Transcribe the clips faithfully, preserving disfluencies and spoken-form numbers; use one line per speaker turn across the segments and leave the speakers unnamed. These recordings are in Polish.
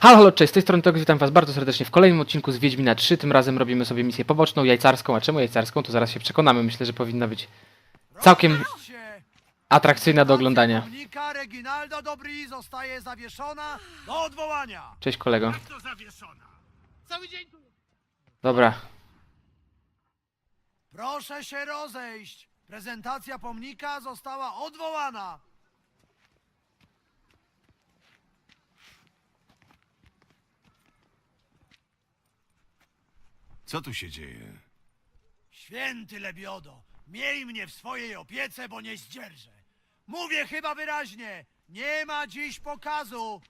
Halo, halo, cześć, z tej strony Tox, witam was bardzo serdecznie w kolejnym odcinku z Wiedźmina trzy. Tym razem robimy sobie misję poboczną, jajcarską. A czemu jajcarską? To zaraz się przekonamy. Myślę, że powinna być całkiem atrakcyjna do oglądania.
Pomnika Reginalda Dobry zostaje zawieszona do odwołania.
Cześć kolego.
Jak to zawieszona? Cały dzień tu.
Dobra.
Proszę się rozejść. Prezentacja pomnika została odwołana.
Co tu się dzieje?
Święty Lebiodo, miej mnie w swojej opiece, bo nie zdzierżę. Mówię chyba wyraźnie, nie ma dziś pokazu.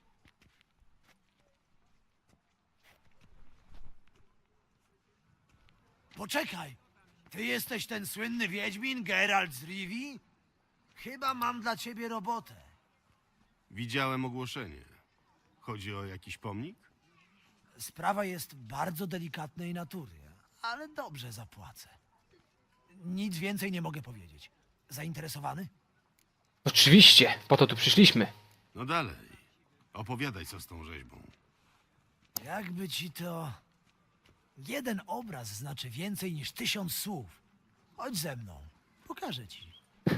Poczekaj, ty jesteś ten słynny wiedźmin Geralt z Rivii? Chyba mam dla ciebie robotę.
Widziałem ogłoszenie. Chodzi o jakiś pomnik?
Sprawa jest bardzo delikatnej natury, ale dobrze zapłacę. Nic więcej nie mogę powiedzieć. Zainteresowany?
Oczywiście, po to tu przyszliśmy.
No dalej. Opowiadaj, co z tą rzeźbą.
Jakby ci to... Jeden obraz znaczy więcej niż tysiąc słów. Chodź ze mną, pokażę ci.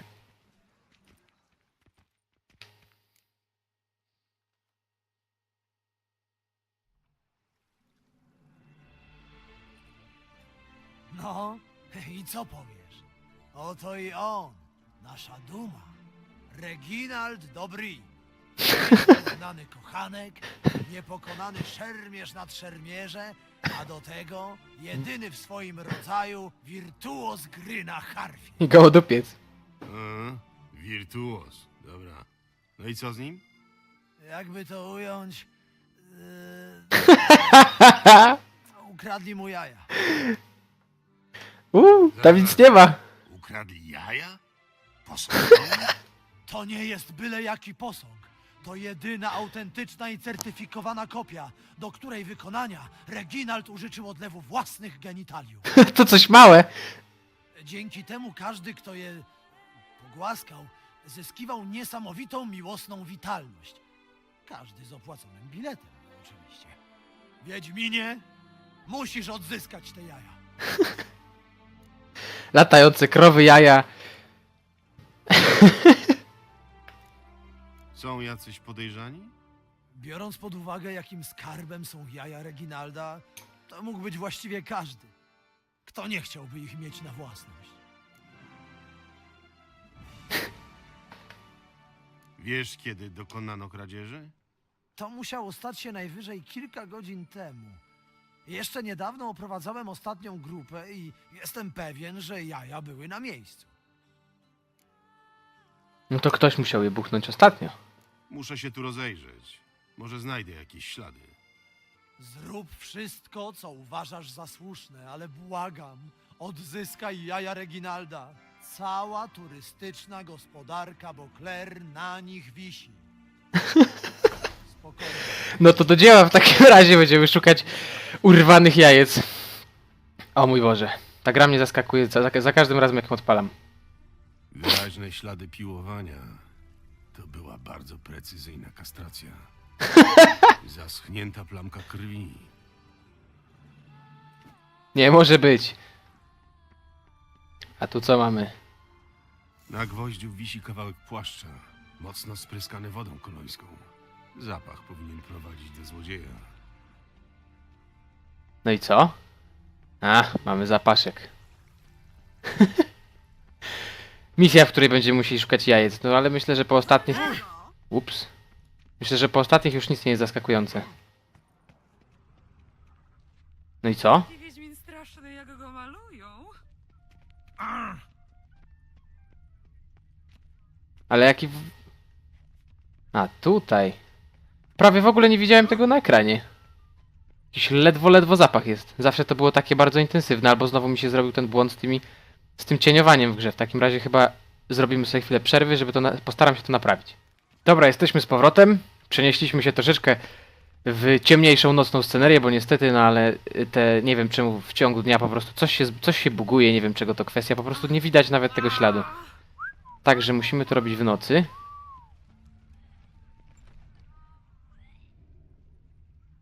No, i co powiesz? Oto i on, nasza duma. Reginald Dobry. Niepokonany kochanek, niepokonany szermierz nad szermierze, a do tego jedyny w swoim rodzaju wirtuoz gry na harfie.
I gołodupiec.
A, wirtuos. Dobra. No i co z nim?
Jakby to ująć... Yy... Ukradli mu jaja.
Uuu, tam nic nie ma.
Ukradli jaja? Posąg?
To nie jest byle jaki posąg. To jedyna autentyczna i certyfikowana kopia, do której wykonania Reginald użyczył odlewu własnych genitaliów.
To coś małe.
Dzięki temu każdy, kto je pogłaskał, zyskiwał niesamowitą miłosną witalność. Każdy z opłaconym biletem, oczywiście. Wiedźminie, musisz odzyskać te jaja.
Latające krowy, jaja.
Są jacyś podejrzani?
Biorąc pod uwagę, jakim skarbem są jaja Reginalda, to mógł być właściwie każdy. Kto nie chciałby ich mieć na własność?
Wiesz, kiedy dokonano kradzieży?
To musiało stać się najwyżej kilka godzin temu. Jeszcze niedawno oprowadzałem ostatnią grupę i jestem pewien, że jaja były na miejscu.
No to ktoś musiał je buchnąć ostatnio.
Muszę się tu rozejrzeć. Może znajdę jakieś ślady.
Zrób wszystko, co uważasz za słuszne, ale błagam, odzyskaj jaja Reginalda. Cała turystyczna gospodarka Beauclair na nich wisi. Spokojnie.
No to do dzieła, w takim razie będziemy szukać urwanych jajec. O mój Boże. Ta gra mnie zaskakuje za, za każdym razem, jak ją odpalam.
Wyraźne ślady piłowania. To była bardzo precyzyjna kastracja. Zaschnięta plamka krwi.
Nie może być. A tu co mamy?
Na gwoździu wisi kawałek płaszcza, mocno spryskany wodą kolońską. Zapach powinien prowadzić do złodzieja.
No i co? A, mamy zapaszek. Misja, w której będziemy musieli szukać jajec. No ale myślę, że po ostatnich... Ups. Myślę, że po ostatnich już nic nie jest zaskakujące. No i co?
Taki Wiedźmin straszny, jak go malują.
Ale jaki... w- A, tutaj. Prawie w ogóle nie widziałem tego na ekranie. Jakiś ledwo, ledwo zapach jest. Zawsze to było takie bardzo intensywne, albo znowu mi się zrobił ten błąd z tymi... z tym cieniowaniem w grze. W takim razie chyba zrobimy sobie chwilę przerwy, żeby to... Na... postaram się to naprawić. Dobra, jesteśmy z powrotem. Przenieśliśmy się troszeczkę w ciemniejszą nocną scenerię, bo niestety, no ale te... nie wiem czemu w ciągu dnia po prostu coś się, coś się buguje, nie wiem czego to kwestia, po prostu nie widać nawet tego śladu. Także musimy to robić w nocy.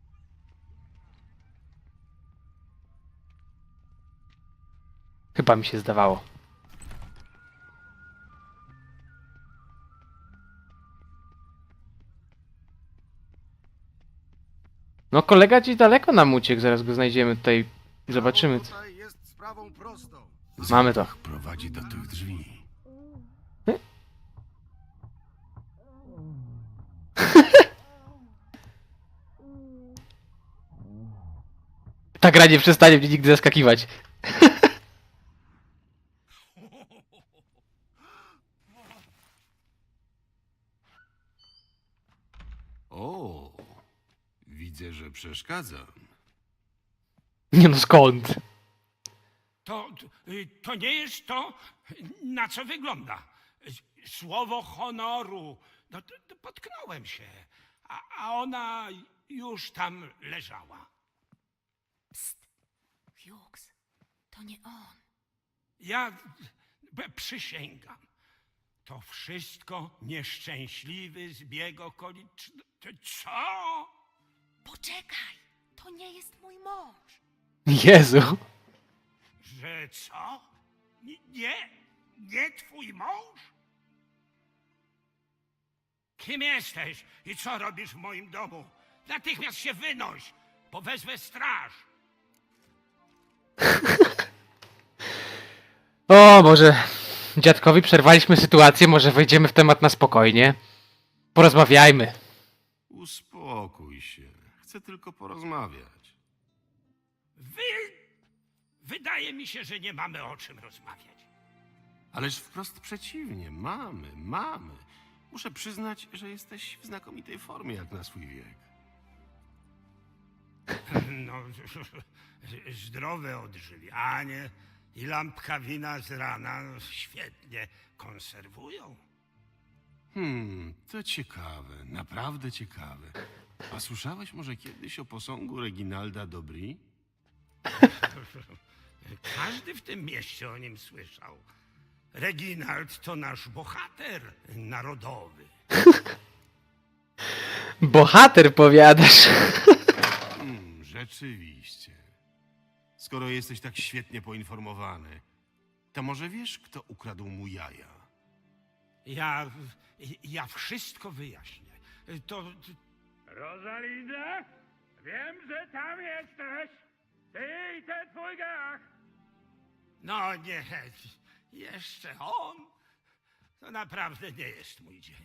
Chyba mi się zdawało. No kolega gdzieś daleko nam uciekł, zaraz go znajdziemy tutaj i zobaczymy. Co...
Tutaj jest sprawą prostą.
Mamy to.
Zapach prowadzi do tych drzwi.
Ta gra nie przestanie mnie nigdy zaskakiwać.
O, widzę, że przeszkadzam.
Nie no skąd?
To, y, to nie jest to, na co wygląda. Słowo honoru. No, to, to potknąłem się, a, a ona już tam leżała.
Hughes, to nie on.
Ja b- przysięgam, to wszystko nieszczęśliwy zbieg okoliczności. Co?
Poczekaj, to nie jest mój mąż.
Jezu.
Że co? N- Nie? Nie twój mąż? Kim jesteś i co robisz w moim domu? Natychmiast się wynoś, bo wezwę straż.
O, może dziadkowi przerwaliśmy sytuację, może wejdziemy w temat na spokojnie. Porozmawiajmy.
Uspokój się. Chcę tylko porozmawiać.
Wy... Wydaje mi się, że nie mamy o czym rozmawiać.
Ależ wprost przeciwnie. Mamy, mamy. Muszę przyznać, że jesteś w znakomitej formie jak na swój wiek.
No, zdrowe odżywianie i lampka wina z rana no, świetnie konserwują.
Hmm, to ciekawe, naprawdę ciekawe. A słyszałeś może kiedyś o posągu Reginalda Dobry?
Każdy w tym mieście o nim słyszał. Reginald to nasz bohater narodowy.
Bohater powiadasz.
Hmm, rzeczywiście. Skoro jesteś tak świetnie poinformowany, to może wiesz, kto ukradł mu jaja?
Ja, ja wszystko wyjaśnię. To... Rosalinda? Wiem, że tam jesteś. Ty i ten twój gach. No nie, jeszcze on? To naprawdę nie jest mój dzień.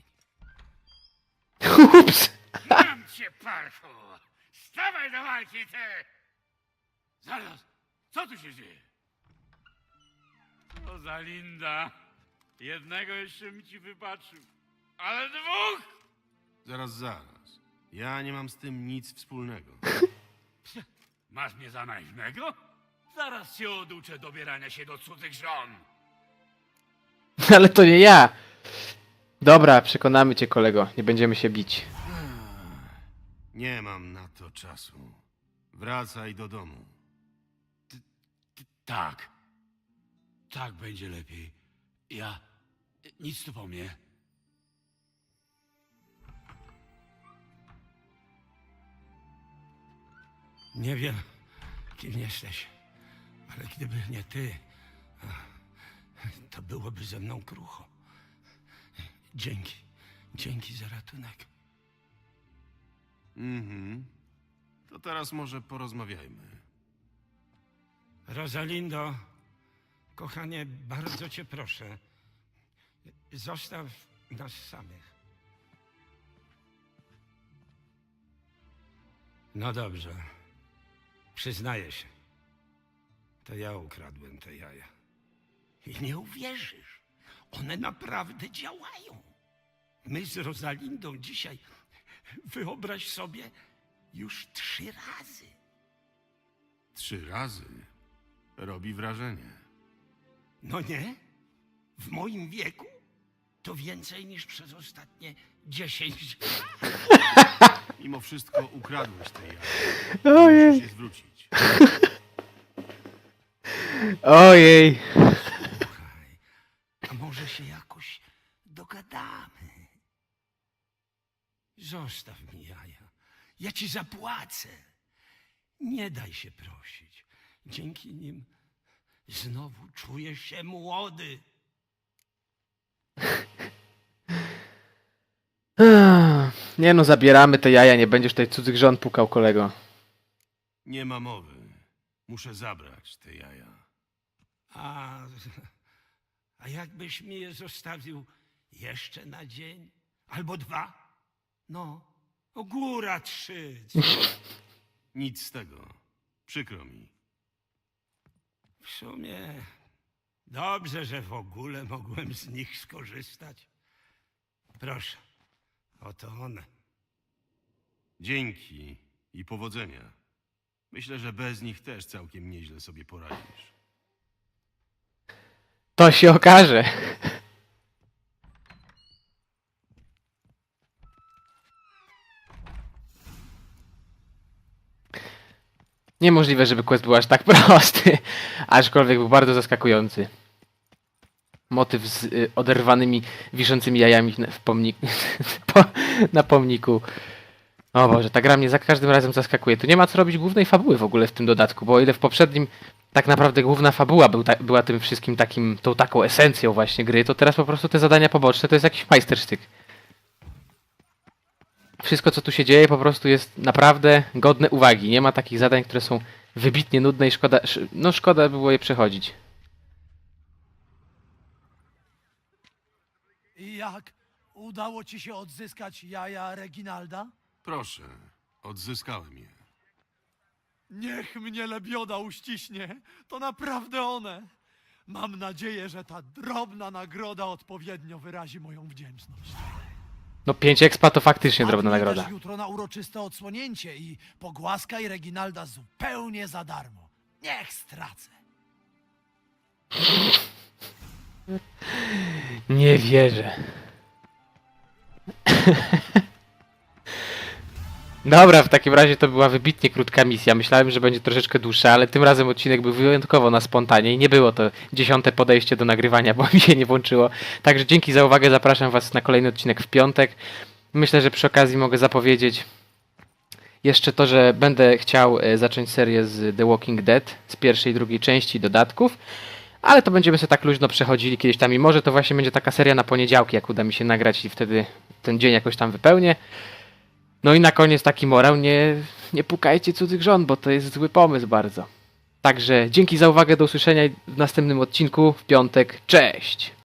Ups.
Mam cię, parchu! Stawaj do walki, ty!
Zaraz, co tu się dzieje? Rosalinda, jednego jeszcze mi ci wybaczył, ale dwóch!
Zaraz, zaraz. Ja nie mam z tym nic wspólnego.
Masz mnie za naiwnego? Zaraz cię oduczę dobierania się do cudzych żon.
Ale to nie ja. Dobra, przekonamy cię kolego, nie będziemy się bić.
Nie mam na to czasu. Wracaj do domu.
Tak. Tak będzie lepiej. Ja... Nic tu po mnie.
Nie wiem, kim jesteś, ale gdyby nie ty, to byłoby ze mną krucho. Dzięki, dzięki za ratunek.
Mhm. To teraz może porozmawiajmy.
Rosalindo, kochanie, bardzo cię proszę, zostaw nas samych. No dobrze, przyznaję się, to ja ukradłem te jaja. I nie uwierzysz, one naprawdę działają. My z Rosalindą dzisiaj, wyobraź sobie, już trzy razy.
Trzy razy. Robi wrażenie.
No nie? W moim wieku to więcej niż przez ostatnie dziesięć lat.
Mimo wszystko ukradłeś te jaja.
Ojej.
Musisz je zwrócić.
Ojej.
Słuchaj, a może się jakoś dogadamy? Zostaw mi jaja. Ja ci zapłacę. Nie daj się prosić. Dzięki nim Znowu czujesz się młody.
Ech, Nie no, zabieramy te jaja, nie będziesz tutaj cudzych żon pukał, kolego.
Nie ma mowy. Muszę zabrać te jaja.
A, a jakbyś mi je zostawił jeszcze na dzień? Albo dwa? No, o góra trzy. co?
Nic z tego. Przykro mi.
W sumie dobrze, że w ogóle mogłem z nich skorzystać. Proszę, oto one.
Dzięki i powodzenia. Myślę, że bez nich też całkiem nieźle sobie poradzisz.
To się okaże. Niemożliwe, żeby quest był aż tak prosty. Aczkolwiek był bardzo zaskakujący. Motyw z y, oderwanymi, wiszącymi jajami na- w pomniku. po, na pomniku. O Boże, ta gra mnie za każdym razem zaskakuje. Tu nie ma co robić głównej fabuły w ogóle w tym dodatku, bo o ile w poprzednim tak naprawdę główna fabuła był ta, była tym wszystkim takim, tą taką esencją właśnie gry, to teraz po prostu te zadania poboczne to jest jakiś majstersztyk. Wszystko co tu się dzieje po prostu jest naprawdę godne uwagi. Nie ma takich zadań, które są wybitnie nudne i szkoda, sz- no szkoda było je przechodzić.
I jak? Udało ci się odzyskać jaja Reginalda?
Proszę, odzyskałem je.
Niech mnie lebioda uściśnie. To naprawdę one. Mam nadzieję, że ta drobna nagroda odpowiednio wyrazi moją wdzięczność.
No pięć expa to faktycznie drobna
Wpadnij
nagroda.
też jutro na uroczyste odsłonięcie i pogłaskaj Reginalda zupełnie za darmo. Niech stracę.
Nie wierzę. Dobra, w takim razie to była wybitnie krótka misja. Myślałem, że będzie troszeczkę dłuższa, ale tym razem odcinek był wyjątkowo na spontanie i nie było to dziesiąte podejście do nagrywania, bo mi się nie włączyło. Także dzięki za uwagę, zapraszam Was na kolejny odcinek w piątek. Myślę, że przy okazji mogę zapowiedzieć jeszcze to, że będę chciał e, zacząć serię z The Walking Dead, z pierwszej i drugiej części dodatków. Ale to będziemy sobie tak luźno przechodzili kiedyś tam i może to właśnie będzie taka seria na poniedziałki, jak uda mi się nagrać i wtedy ten dzień jakoś tam wypełnię. No i na koniec taki morał, nie, nie pukajcie cudzych żon, bo to jest zły pomysł bardzo. Także dzięki za uwagę, do usłyszenia w następnym odcinku w piątek. Cześć!